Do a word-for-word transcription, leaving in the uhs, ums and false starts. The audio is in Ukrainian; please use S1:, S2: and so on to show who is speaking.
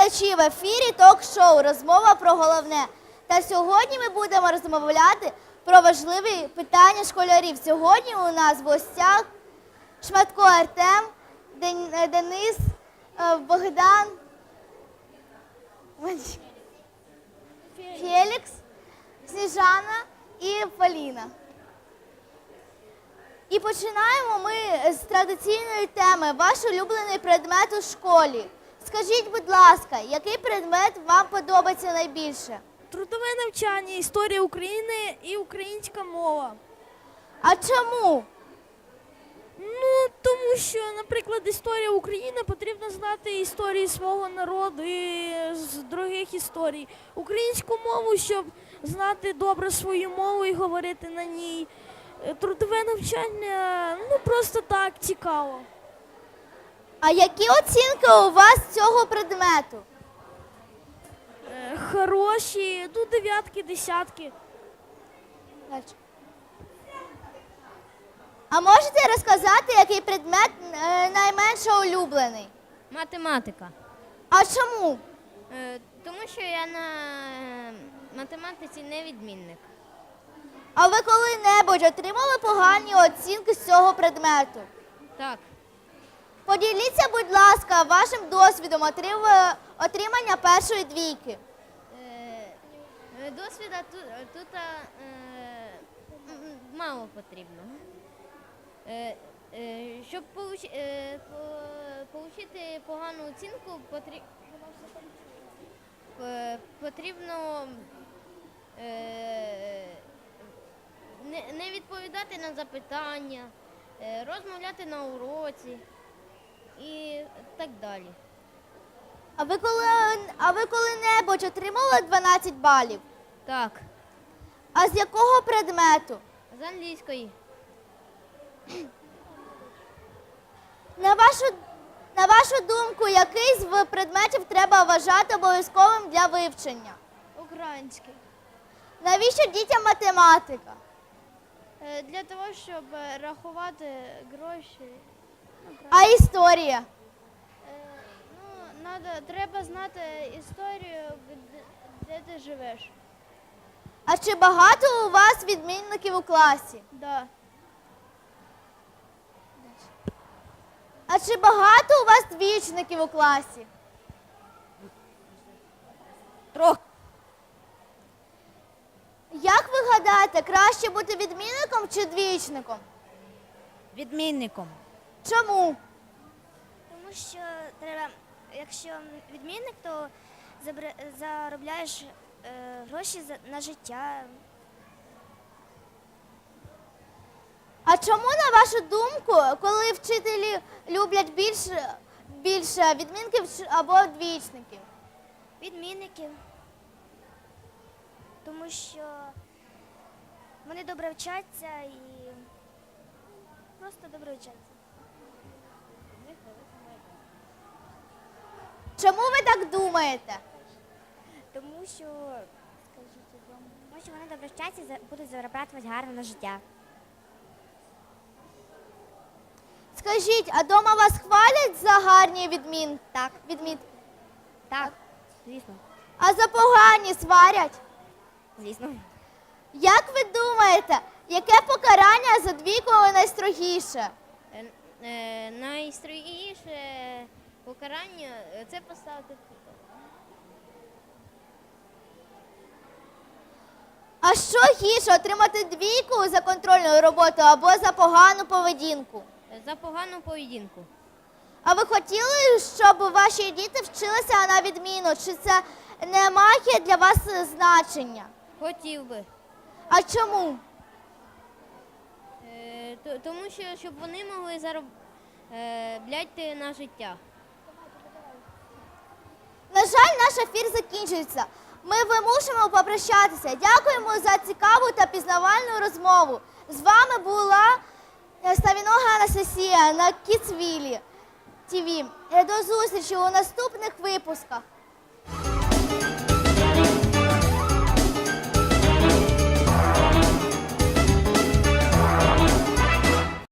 S1: глядачі, в ефірі ток-шоу «Розмова про головне». Та сьогодні ми будемо розмовляти про важливі питання школярів. Сьогодні у нас в гостях Шматко Артем, Денис, Богдан, Фелікс, Сніжана і Поліна. І починаємо ми з традиційної теми «Ваш улюблений предмет у школі». Скажіть, будь ласка, який предмет вам подобається найбільше?
S2: Трудове навчання, історія України і українська мова.
S1: А чому?
S2: Ну, тому що, наприклад, історія України потрібно знати історії свого народу і з других історій. Українську мову, щоб знати добре свою мову і говорити на ній. Трудове навчання, ну, просто так, цікаво.
S1: А які оцінки у вас з цього предмету?
S2: Е, хороші, ну, дев'ятки, десятки.
S1: А можете розказати, який предмет е, найменше улюблений?
S3: Математика.
S1: А чому?
S3: Е, Тому що я на математиці не відмінник.
S1: А ви коли-небудь отримали погані оцінки з цього предмету?
S3: Так.
S1: Поділіться, будь ласка, вашим досвідом отрив- отримання першої двійки.
S3: Е, Досвіда тут, тут е, м, мало потрібно. Е, е, Щоб получ- е, по- отримати погану оцінку, потрі- е, потрібно е, не, не відповідати на запитання, е, розмовляти на уроці і так далі.
S1: А ви коли, а ви коли-небудь отримали дванадцять балів?
S3: Так,
S1: А з якого предмету?
S3: з англійської.
S1: На вашу, на вашу думку, який з предметів треба вважати обов'язковим для вивчення?
S2: Український.
S1: Навіщо дітям математика?
S2: Для того, щоб рахувати гроші.
S1: А історія?
S2: Ну, надо, треба знати історію, де, де ти живеш.
S1: А чи багато у вас відмінників у класі?
S2: Да.
S1: А чи багато у вас двічників у класі?
S3: Трохи.
S1: Як ви гадаєте, краще бути відмінником чи двічником?
S3: Відмінником.
S1: Чому?
S4: Тому що треба, якщо відмінник, то забра- заробляєш е, гроші за- на життя.
S1: А чому, на вашу думку, коли вчителі люблять більше, більше відмінків чи- або двічників?
S4: Відмінників. Тому що вони добре вчаться і просто добре вчаться.
S1: Чому ви так думаєте?
S4: Тому що, скажіть, тому що вони добре вчаться і за- будуть заробляти гарно на життя.
S1: Скажіть, а дома вас хвалять за гарні відмін...
S4: Так.
S1: відмін...
S4: Так, звісно.
S1: а за погані сварять?
S4: Звісно.
S1: Як ви думаєте, яке покарання за двійку найстрогіше?
S3: Е, е, Найстрогіше покарання е, це поставити.
S1: А що гірше, отримати двійку за контрольну роботу або за погану поведінку?
S3: За погану поведінку.
S1: А ви хотіли, щоб ваші діти вчилися на відміну? Чи це не має для вас значення?
S3: Хотів би.
S1: А чому?
S3: Е, то- Тому що щоб вони могли заробляти на життя.
S1: На жаль, наш ефір закінчується. Ми вимушуємо попрощатися. Дякуємо за цікаву та пізнавальну розмову. З вами була Ставінога Анастасія на Кіцвілі ТВ. До зустрічі у наступних випусках.